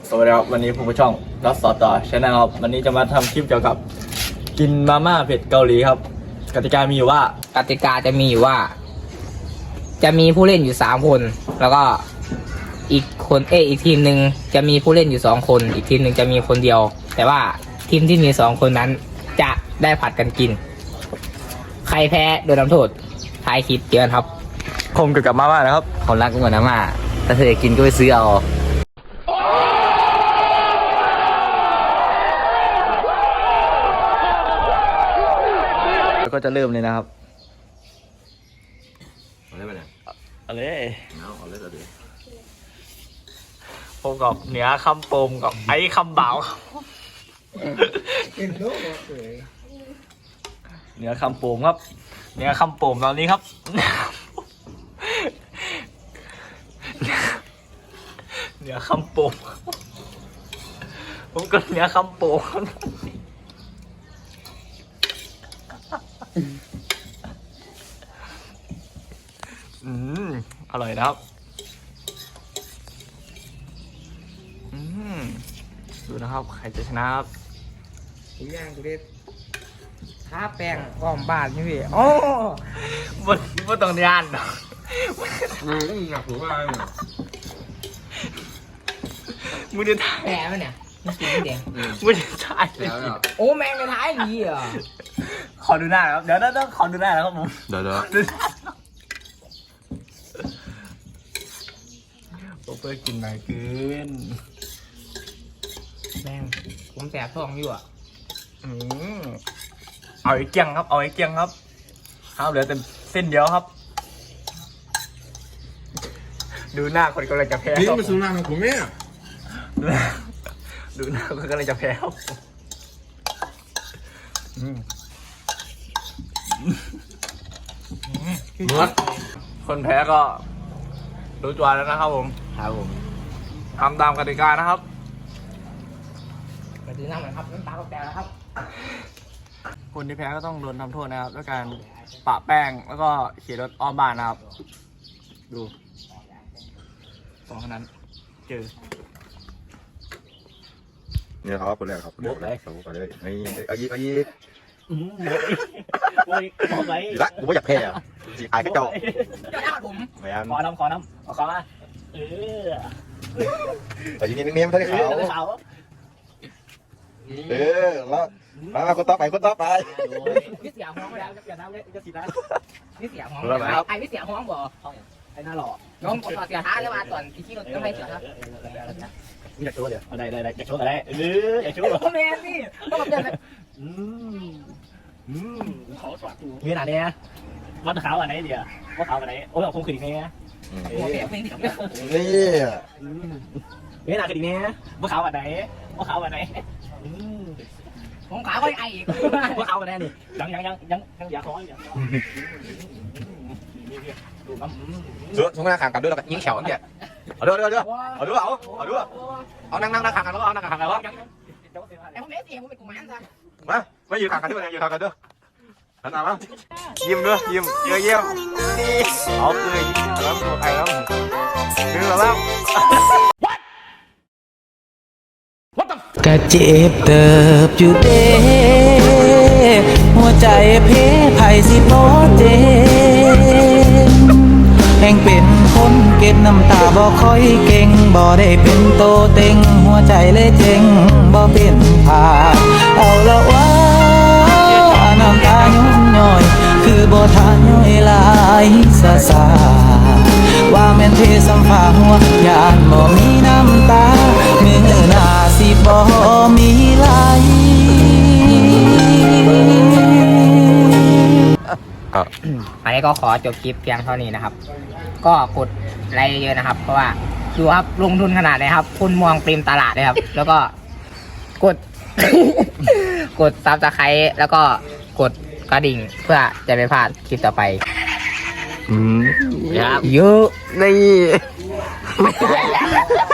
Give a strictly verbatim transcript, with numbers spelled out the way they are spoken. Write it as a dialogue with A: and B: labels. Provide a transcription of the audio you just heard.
A: สวัสดีครับวันนี้ผมผู้ช่องรัสสอต่อชาแนลครับวันนี้จะมาทำคลิปเกี่ยวกับกินมาม่าเผ็ดเกาหลีครับกติกามีอยู่ว่าก
B: ติกาจะมีอยู่ว่า จะมีผู้เล่นอยู่สามคน แล้วก็อีกคนเอออีกทีมหนึ่งจะมีผู้เล่นอยู่สองคน อีกทีมหนึ่งจะมีคนเดียว แต่ว่าทีมที่มีสองคนนั้นจะได้ผัดกันกิน ใครแพ้โดนทำโทษท้ายคลิปเจอกันครับ
A: ผมเกี่ยวกับมาม่านะครับ
C: คนรักเหมือนน้ำมาถ้าเธออยากกินก็ไปซื้อเอา
A: แล้วก็จะเริ่มเลยนะครับ
D: เอาเลยไปเนี่ย
A: อะไร
D: เอาเอาเลยเอาเลย
A: ผมกับเหนือคำโปมกับไอ้คำเบาเหนือคำโปมครับเหนือคำโปมตอนนี้ครับเหนือคำโปมผมก็เหนือคำโปมอืมอร่อยนะครับอืมดูนะครับใครจะชนะครับ
B: อีกอย่างกูเด็ดท้าแป้งอ้อมบ้านนี่พี่โอ้
A: บนบนตรงนี้อันเนาะ
D: อืมอยากรู้ว่าอะไรเนี่ย
A: มึงจะถ่าย
B: แผลมันเนี่ยมันสีแดง
A: มึงจะถ่ายเลย
D: แล้วเนี่ย
B: โอ้แมงในท้ายดีอ่ะ
A: ขอดูหน้านะครับเดี๋ยวต้องขอดูหน้านะครับผม
D: เดี๋ยวเดี๋ยว
A: ดูหน้าโอเปอร์กินหน่อยเกิน
B: แมงผมแสบท้องอยู่อ่ะ
A: อืมเอาไอ้เกียงครับเอาไอ้เกียงครับครับเหลือแต่เส้นเดียวครับ ดูหน้าคนกำลังจะแพ้
D: นี่
A: ครับ
D: มันสุนัขของผมเนี่ย
A: ดูหน้าดูหน้าคนกำลังจะแพ้ครับอืม
D: เมื่อ
A: คนแพ้ก็รู้ตัวแล้วนะครับผม
C: ครับผม
A: ทำตามกติกานะครับ
B: มาดูน้ำหน่อยครับน้ำตาก็แตกแล้วครับ
A: คนที่แพ้ก็ต้องโดนทำโทษนะครับด้วยการปะแป้งแล้วก็ขี่รถอ้อมบ้านนะครับ ดูสองคนนั้นเจอ
D: เนี่ยครับคนแรกครับคนแรกเลยครับไปเลยนี่เอายีเอายี
A: โอ้ยขอไป
D: ละกูไม่อยากแพ้อ่ะจีอายก็เจ้า
B: เจ้าหน้าผม
D: แม่น
A: ขอน้ำขอน้ำขอขอมาเออ
D: แต่ยีนี่นิ่มๆเท่าที่
A: เอ
D: เขา
A: อขาว
D: เออแล้วมาคนต่อไปคนต่อไป
B: นี่เสียห้องแล้ว
A: อย่าน้ำเลยจะสีน้
B: นี่เสียห้อง
D: แล้วครับ
B: ไอ้นี่เสียห้องบ่
A: ำไอ้หน้าหล่อ
B: น้องกดต่อเสียท้าแล้วมาตอนที่รถต้องให้เสียครับ
D: มีอยากโชว์เดี๋ยว
A: เอาได้ได้ได้อยากโชว์อะไรเอออยากโชว์
B: โอ้แมนนี่ต้องมาเจอกัน
A: อืมอืมขอสวัสดีมีหนาเนี้ยวัดขาวอันไหนเดียววัดขาวอันไหนโอ้ยเอาคงขึ้นอีกไง
B: โอ้แมนไม่ดี
D: นี่
A: มีหนาขึ้นอีกไงวัดขาวอันไหนวัดขาวอันไหนอืม
B: ผมขาก็ไออีก
A: วัดขาวอันไหนนี่ยังยังยังยังยังอย่าขออย่าขอดูน้ำ
D: เสือช่วงหน้าขางกันด้วยแล้วก็ยิงแขวเนี่ยเอาด้วยเอาด้วยเอาด้วยเอาเอาด้วยเอานั่งนั่งนั่งขางกันแล้วเอานั่งขางกันแล้ว
B: ไอ้ผมไม่เสียผมเป็นกุมารซะ
D: มาไม่ยืนขางกันด้วยยืนขางกันด้วยหันมา
A: ยิ้มด้วยยิ้มเยอะเยี่ยมเอาเลยแล้วตัวใครแล้วคือแล้ว
E: กะเจ็บเติบอยู่เด้หัวใจเพไผสิบ่เจ็บแห่งเป็นคนเก็บน้ำตาบ่ค่อยเก่งบ่ได้เป็นโตเต็งหัวใจเลยเจ็งบ่เป็นผาเอาละว่าน้ำตาย้อนย่อย คือบ่ทานย่อยหลายซาซาว่าแม่นเทสัมภาหัวยานบ่มีน้ำตามือหน้าสิบ่มีไหล
B: อันนี้ก็ขอจบคลิปเพียงเท่านี้นะครับ ก็กดไลค์เยอะนะครับ เพราะว่าดูครับลงทุนขนาดไหนครับ คุณมองปริมตลาดเลยครับ แล้วก็กด กดซับสไครต์แล้วก็กดกระดิ่งเพื่อจะไม่พลาดคลิปต่อไป
D: อืม
B: เยอะ
D: นี่